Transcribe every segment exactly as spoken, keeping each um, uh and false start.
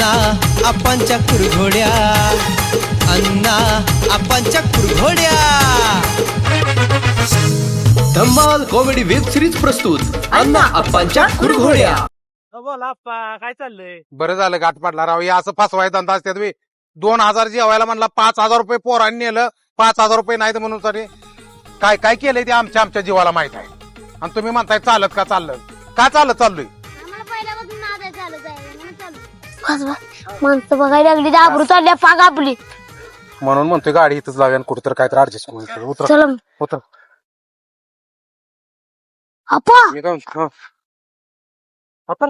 अण्णा आपांच्या कुरघोड्या, अण्णा आपांच्या कुरघोड्या. धम्माल कॉमेडी वेब सिरीज प्रस्तुत अण्णा आपांच्या कुरघोड्या. बोला आप्पा, काय चाललंय? बरं झालं गाठ पडला राव. या असं फसवाय धंदा असते तुम्ही. दोन हजार जेवायला म्हणला, पाच हजार रुपये पोरांनी नेलं, पाच हजार रुपये नाही म्हणून तरी काय काय केलंय ते आमच्या आमच्या जीवाला माहित आहे. आणि तुम्ही म्हणताय चालत का चाललं का चालत चाललोय. माणसं बघायला लागली, आबरू चालल्या पाग आपली. म्हणून म्हणतोय गाडी इथंच लावूया आणि कुठेतरी काहीतरी ऍडजस्ट करून उतर चला उतर. आपा मी काय म्हणतो, हं. उतर.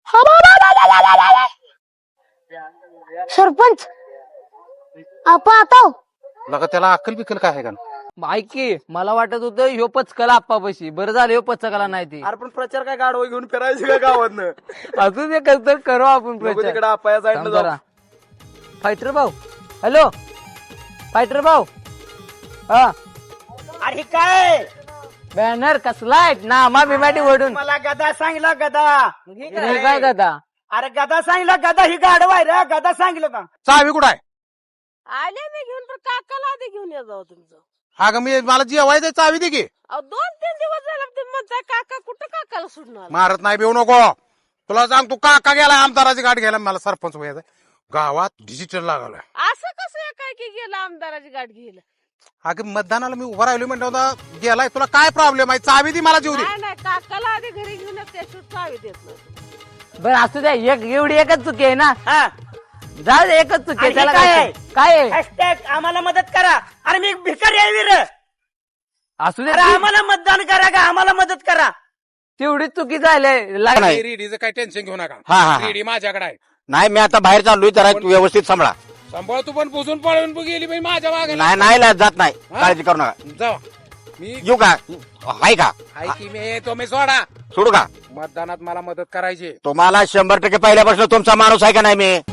सरपंच आपा आता लगा त्याला अक्कल बिकल काय आहे का. ऐकी, मला वाटत होतं ह्यो पचकला आप्पापाशी. बरं झालं ह्यो पचकला नाही ते. अरे पण प्रचार काय गाडवा घेऊन फिरायची का गावातनं? असू दे, कसं तर करू आपण प्रचार. तिकडे आप्पा या थांब साईडनं जरा. फायटर भाऊ, हॅलो फायटर भाऊ. हा अरे काय बॅनर कसलाय नामा बिमाटी ओढून मला गदा सांगितला गदा. हे काय दादा. अरे गदा सांगितला गदा, ही गाडवा आहे रे. गदा सांगितलं का? चावी कुठं आहे. आले मी घेऊन तर काकाला आधी घेऊन या जाऊ तुमचं. अगं मी मला जेवायचं चावी दे की. अहो दोन तीन दिवस झाले तुम्ही म्हणताय काका, कुठं काकाला सोडणार? मारत नाही बेऊ नको. तुला सांग, तू काका गेला आमदाराची गाठ घ्यायला, मला सरपंच व्हायचं. गावात डिजिटल लागलाय. असं कसं काय की गेलं आमदाराची गाठ घ्यायला? अगं मतदानाला मी उभा राहिलो म्हणतो होता, गेलाय. तुला काय प्रॉब्लेम आहे. चावी दी मला जीव दे. नाही नाही, काकाला आधी घरी घेऊन या, त्याशिवाय चावी देत नाही. बरं असू द्या, एक एवढी एकच चुकी आहे ना. हा. जाऊ दे, एकच चुकी आहे. आणि त्याला काय काय आहे? काय आहे? हॅशटॅग आम्हाला मदत करा. अरे मी एक भिकारी आहे वीर. असू दे, अरे आम्हाला मतदान करा का, आम्हाला मदत करा. तेवढी चुकी झाली. लाग- नाही. रेडीचं काही टेन्शन घेऊ नका. हा, हा, हा. रेडी माझ्याकडे आहे. नाही, मी आता बाहेर चाललोय, जरा व्यवस्थित सांभाळा. सांभाळ तू पण पुसून पळून गेली बाई माझ्या मागे. नाही नाही ला- जात नाही, हा? काळजी करू नका. जावा. मी येऊ का आहे का ऐकी, मी तुम्ही सोडा. सोडू का. मतदानात मला मदत करायची. तुम्हाला शंभर टक्के पहिल्यापासून तुमचा माणूस आहे का नाही मी.